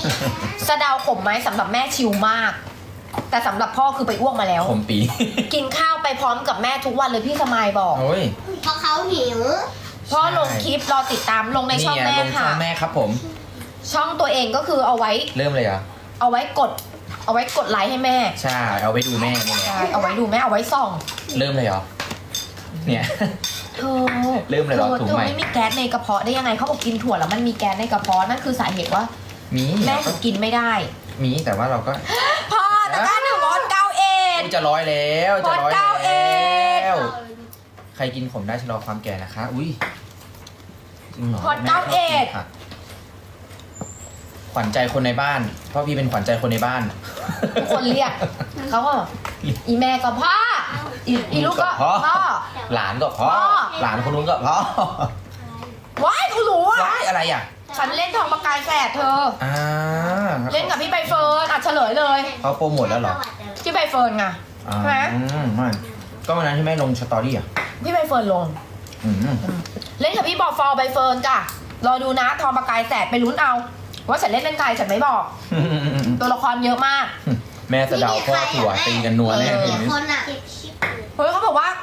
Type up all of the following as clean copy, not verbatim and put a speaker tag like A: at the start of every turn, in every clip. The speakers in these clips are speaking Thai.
A: สะเดาขมไหมสำหรับแม่ชิลมาก แต่สำหรับพ่อคือไปอ้วกมาแล้ว
B: ขมปี
A: กินข้าวไปพร้อมกับแม่ทุกวันเลยพี่สมายบอก
B: โอ้ย
C: เพราะเขาหิว
A: พ่อลงคลิปรอติดตามลงในช่องแม่
B: ลงช่
A: ค่ะ
B: องแม่ครับผม
A: ช่องตัวเองก็คือเอาไว้
B: เริ่มเลยเหรอ
A: เอาไว้กดไลค์ให้แม่
B: ใช่เอาไว้ดูแม่นี่แหละ
A: ใช่เอาไว้ดูแม่เอาไว้ส่อง
B: เริ่มเลยเหรอเนี่ย
A: เธอ
B: เริ่มเลยเหรอถุง
A: เธอ
B: ใหม่
A: ไม่มีแก๊สในกระเพาะได้ยังไงเขาบอกกินถั่วแล้วมันมีแก๊สในกระเพาะนั่นคือสาเหตุว่า
B: มี
A: แม่ถึงกินไม่ได้
B: มีแต่ว่าเราก็
A: พ่อตะกร้าหนึ่งวอนเก้าเอ็ด
B: จะร้อยแล้วจะร้อย
A: พอดเก้าเอ็
B: แล้
A: ด
B: วใครกินขมได้ชะลอความแก่นะคะ อุ้ยจริงเหรอ
A: พอดเก้าเอ็ด
B: แม่ชบกินผักขวัญใจคนในบ้านเพราะพี่เป็นขวัญใจคนในบ้าน
A: ทุกคนเรียกเขาก็อีแม่ก็พ่ออีลูกก็
B: พ่อ
A: พ่อ
B: หลานก็พ่อ
A: พ่อ
B: หลานคนนู้นก็พ่อ
A: ว้ายเขารู้อ่ะ
B: ว้ายอะไรอ่ะ
A: ฉันเล่นทองประกายแฝดเธอ
B: อ่า
A: เล่นกับพี่ใบเฟิร์นอ่ะเฉลยเลย
B: เขาโปรโมทแล้วเหรอ
A: พี่ใบเฟิร์นไง
B: อ่า
A: ใช่ไหม
B: ไม่ก็วันนั้นที่แม่ลงสตอรี่อ่ะ
A: พี่ใบเฟิร์นลง
B: อืม
A: เล่นกับพี่บอฟอร์ใบเฟิร์นจ้ะรอดูนะทองประกายแฝดไปลุ้นเอา ว่าฉันเล่นเป็นใครฉันไม่บอก ตัวละครเยอะมาก
B: แม่สะเดาพ่อถั่วตีกันนัวแน่
A: เออ
B: ทีนี้
C: คนอ่ะ
A: เฮ้ยเขาบอกว่า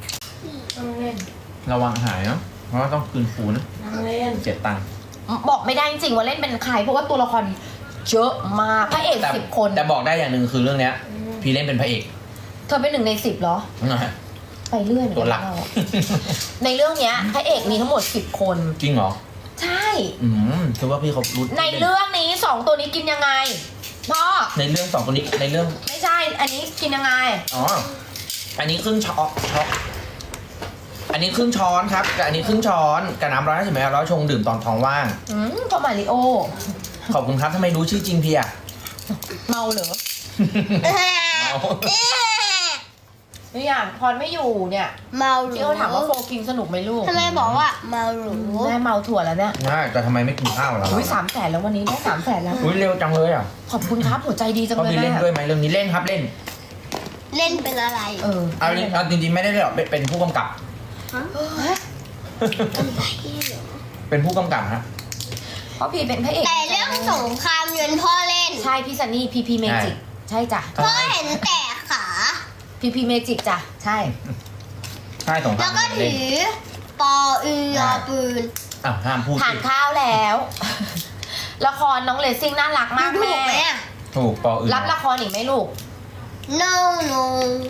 B: ระวังหายเนาะเพราะว่าต้องคืนฟูนะเจ็ดตังค์
A: บอกไม่ได้จริงๆว่าเล่นเป็นใครเพราะว่าตัวละครเยอะมากพระเอก
B: แต่
A: 10 คน
B: แต่บอกได้อย่างหนึ่งคือเรื่องเนี้ย พี่เล่นเป็นพระเอก
A: เธอเป็น1 ใน 10เหรอ
B: นะฮะ
A: ไปเรื่อยเหมือน
B: ตัว
A: กัน
B: หลัก
A: เราอะในเรื่องเนี้ยพระเอกมีทั้งหมด10 คน
B: จริงเหรอ
A: ใช่
B: คือว่าพี่เขารู้
A: ในเรื่องนี้2ตัวนี้กินยังไงพ่อ
B: ในเรื่องสองคนนี้ในเรื่อง
A: ไม่ใช่ อันนี้กินยังไง
B: อ๋ออันนี้ครึ่งช้อนอันนี้ครึ่งช้อนครับกับอันนี้ครึ่งช้อนกับน้ำ150 mlแล้วชงดื่มตอนท้องว่าง
A: พ่อมาริโอ
B: ขอบคุณครับทำไมรู้ชื่อจริงพี่อะ
A: เมาเหรอ
B: เอา
A: นี่อย่างพรไม่อยู่เนี่ย
C: เมาหรู
A: ที่เขาถามว่าโฟกินสนุกไหมลูก
C: ทำไมบอกว่าเมาหรู
A: แม่เมาถั่วแล้วเนี่ย
B: ใช่แต่ทำไมไม่กินข้าวล่ะ
A: อุ้ย300,000แล้ววันนี้ได้300,000แล้ว
B: อุ้ยเร็วจังเลยอ่ะ
A: ขอบคุณครับหัวใจดีจัง
B: เขา
A: เลย
B: มีเล่น
A: แม่
B: ด้วยไหมเรื่องนี้เล่นครับเล่น
C: เล่นเป็นอะไร
B: เอาจริงๆไม่ได้เล่นหรอกเป็นผู้กำกับ เป็นผู้กำกับฮะ
A: เพราะพี่เป็นพระเอก
C: แต่เรื่องสงครามเงินพ่อเล่น
A: ใช่พี่ซันนี่พีเมจิกใช่จ้ะ
C: พ่อเห็นแต่ขา
A: พีเมจิกจ้ะใช่
B: ใช่สงค
C: แล้
B: ราว ม
C: ก็
B: เล่
C: ถื
B: น
C: อปออือปืน
B: อ้าวห้ามพูด
A: ทา
B: สิ
A: นข้าวแล้ว ละครน้องเลซิ่งน่ารักมาก
C: ถู
A: แม่
C: กไหมอ่ะ
B: ถูกปออื่น
A: รับละครอีกไหมลูก
C: no no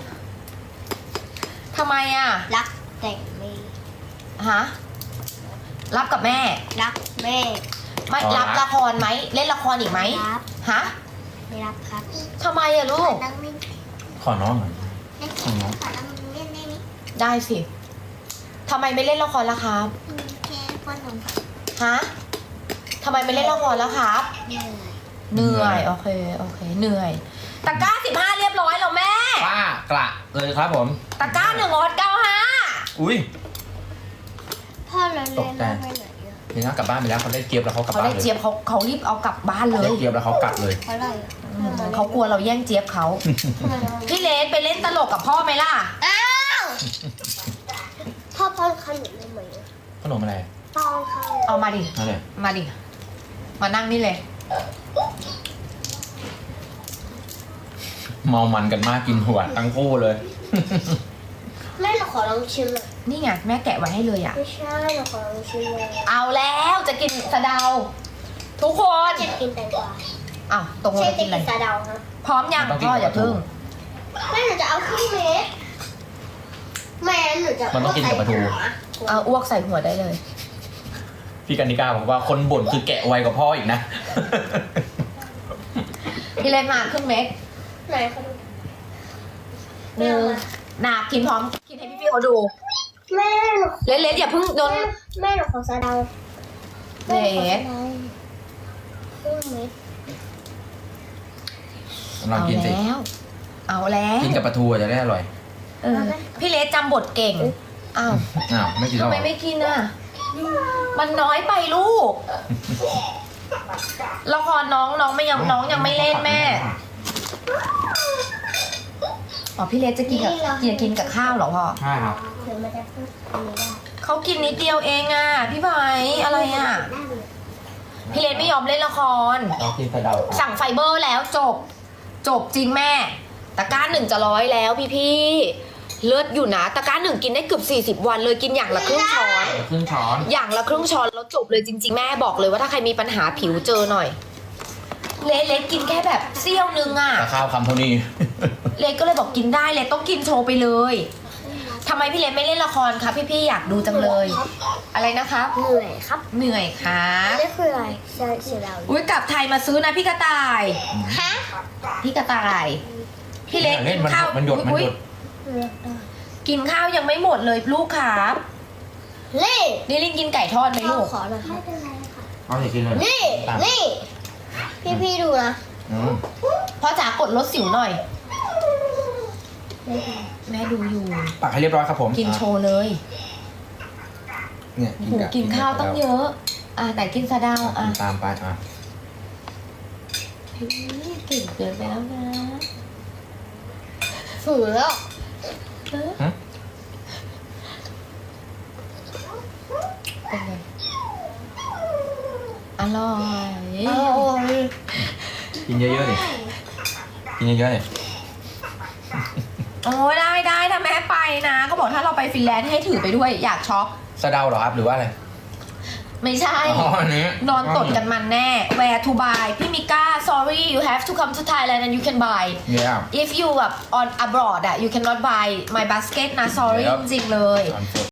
A: ทำไมอ่ะ
C: รักแต่ไม่
A: ฮะรับกับแม่
C: รักแม่
A: ไม่รับละครไหมเล่นละครอีกไหม
C: รับ
A: ฮะ
C: ไม่รับครับ
A: ทำไมอ่ะลูก
C: นั่งไม่
B: ขอน้องหน่อย
C: ขอนั่งเล่นได้ไหม
A: ได้สิทำไมไม่เล่นละครละครับ
C: แค่ป้อนนม
A: ฮะทำไมไม่เล่นละครแล้วครับ เหนื่อยโอเคเหนื่อยตะกร้า15เรียบร้อยแล้วแม่
B: ป้ากระเลยครับผม
A: ตะกร้า1ออด
B: อุ้ย
C: พ่อเราเล่นแล้วไปไหนอ่ะ
B: เดี๋ยวนะกลับบ้านไปแล้วเขาได้เกียบแล้วเขากลับ
A: เขา
B: บ้าน
A: ได้
B: เลย
A: เจี๊ยบเขารีบเอากลับบ้านเล
B: ได้
A: ย
B: เกียบแล้วเขากลับเลย
C: เพราะอะไรอ่ะ
A: เขากลัวเราแย่งเจี๊ยบเขา
C: ทำไมเรา
A: พี่เลสไปเล่นตลกกับพ่อไหมล่ะ
C: อ้าวพ่อป้อนขนมได้ไหม
B: ขนมอะไร
C: ป้อนข้าว
A: เอามาดิ
B: อะไร
A: มาดิมานั่งนี่เลย
B: เมามันกันมากกินหัวทั้งคู่เลย
C: แม่เราขอลองชิมหน่อย
A: นี่ไงแม่แกะไว้ให้เลยอ่ะ
C: ไม่ใช่เราขอลองชิมเลย
A: เอาแล้วจะกินสะเดา ทุกคน
C: จะกินแตงกวา
A: อ้าวตรงลง
C: ใช่
A: จะ
C: จะ
A: กินอะไร
C: กินซาเดาฮะ
A: พร้อมยัง
B: ต้องกิน
A: พ่ออย่า
B: กับปลาทู
A: พึ่ง
C: แม่หนูจะเอาครึ่งเม็ดแม่หนูจะ
B: มันต้องกินกับปลาทู
A: เอาอ้วกใส่หัวได้เลย
B: พี่กันิกาบอกว่าคนบ่นคือแกะไวกว่าพ่ออีกนะ
A: พี่เลสมาครึ่งเม็ด
C: ไหนเขาดู
A: หนึ่งนากินพร้อมกินให้พี่ๆเขาดู
C: แม่หนู
A: เลสอย่าเพิ่งโดน
C: แม่หนูขอซาเดา
A: เลส
C: ครึ่งเม็ด
B: ลอง
A: เอา
B: กินสิ
A: แล้ว เอาแล้ว
B: กินกับปลาทูจะได้อร่อย
A: เออพี่เลสจำบทเก่งอ้าว
B: อ้าวไม่กินหร
A: ทำ
B: อ
A: ไมไม่กินอ่ะ มันน้อยไปลูกละครน้องไม่ยังน้องยังไม่เล่นแม่อ๋อพี่เลสจะกินกับข้าวเหรอพ่อ
B: ใช่ครับ
C: เดี๋ยวมันจะพูดอันนี้ได้
A: เขากินนิดเดียวเองอ่ะพี่ไผ่อะไรอ่ะพี่เลนไม่ยอมเล่นละคร
B: เรากินกระเดา
A: สั่งไฟเบอร์แล้วจบจริงแม่ ตะกร้าหนึ่งจะ100แล้วพี่เลิศอยู่นะตะกร้าหนึ่งกินได้เกือบ40 วันเลยกินอย่างละครึ่งช้อน
B: ครึ่งช้อน
A: อย่างละครึ่งช้อนแล้วจบเลยจริง ๆ แม่บอกเลยว่าถ้าใครมีปัญหาผิวเจอหน่อย เล็กกินแค่แบบเสี้ยวนึงอ่ะ
B: แต่ข้าวคำเท่านี้
A: เล็กก็เลยบอกกินได้เล็กต้องกินโชว์ไปเลยทำไมพี่เล็กไม่เล่นละครคะพี่อยากดูจังเลย อะไรนะครับ
C: เหนื่อยครับ
A: เหนื่อยครับ
C: นี่คืออะไรเสียดาย
A: อุ้ยกลับไทยมาซื้อนะพี่กระต่าย
C: ฮะ
A: พี่กระต่ายพี่เล็ก
B: เล่
A: กิ
B: น
A: น
B: มัน
A: ข้าว
B: มันหยดมัน
A: อุ๊
B: ห
A: ย
B: ยด
A: กินข้าวยังไม่หมดเลยลูกครับ
C: นี่
A: นี่ลินกินไก่ทอดไหมลูก
C: ขอหน่อยครับ
B: เอาสิกินเลย
C: นี่นี่พี่ดูนะ
B: อืม
A: พ่อจ๋ากดลดสิวหน่อย แม่ดูอยู่
B: ตักให้เรียบร้อยครับผม
A: กินโชว์เลย
B: เนี่ย
A: โหกินข้าวต้องเยอะ แต่กินสะเดา
B: กินตามไปอ่ะ
A: เฮ้ยเก่งเกินไปแล้วนะ
C: ฝืนแล้ว
A: เออเป็นไงอร่อย
B: กินเยอะๆดิกินเยอะๆดิ
A: โอ้ยได้ถ้าแม่ไปนะเขาบอกถ้าเราไปฟินแลนด์ให้ถือไปด้วยอยากช็อป
B: สะเดาเหรอครับหรือว่าอะไร
A: ไม่ใช่
B: อ๋ออันนี้
A: นอนตดกันมันแน่ where to buy พี่มิก้า sorry you have to come to Thailand and you can buy
B: เนี่ย
A: if you แบบ on abroad you cannot buy my basket นะ sorry
B: ครับ
A: จริงๆเลย
B: ตอนสด